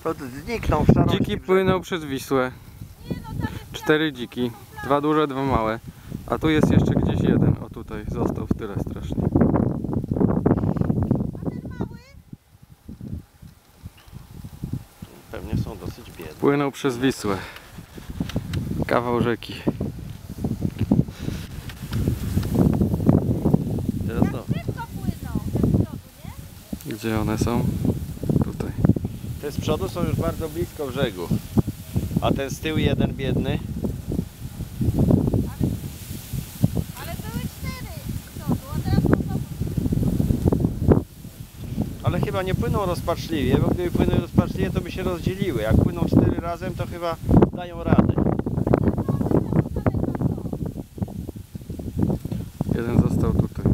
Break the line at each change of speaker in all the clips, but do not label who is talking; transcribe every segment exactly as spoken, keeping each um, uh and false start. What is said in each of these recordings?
To zniknął w szarości.
Dziki płyną przez Wisłę. Cztery dziki. Dwa duże, dwa małe. A tu jest jeszcze gdzieś jeden. O tutaj został w tyle strasznie.
Pewnie są dosyć biedne.
Płyną przez Wisłę. Kawał rzeki.
Teraz no.
Gdzie one są? Tutaj.
Te z przodu są już bardzo blisko brzegu. A ten z tyłu jeden biedny.
Ale były cztery z przodu, a teraz są znowu.
Ale chyba nie płyną rozpaczliwie, bo gdyby płynęły rozpaczliwie, to by się rozdzieliły. Jak płyną cztery razem, to chyba dają radę.
Jeden został tutaj.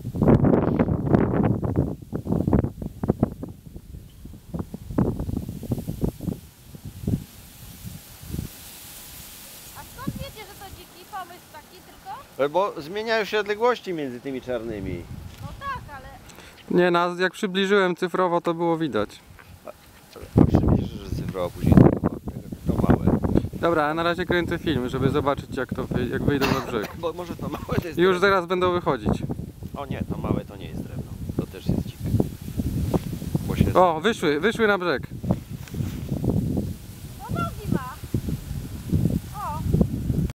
A skąd wiecie, że to dziki pomysł taki tylko?
Bo zmieniają się odległości między tymi czarnymi.
No tak, ale...
Nie, nas jak przybliżyłem cyfrowo, to było widać.
A przybliżysz, że cyfrowo później to, to małe.
Dobra, a na razie kręcę film, żeby zobaczyć jak to wy, jak wyjdą na brzeg.
Bo może to małe to jest
Już
drewno.
zaraz będą wychodzić.
O nie, to małe to nie jest drewno. To też jest dzike. Bo się...
O, wyszły, wyszły na brzeg.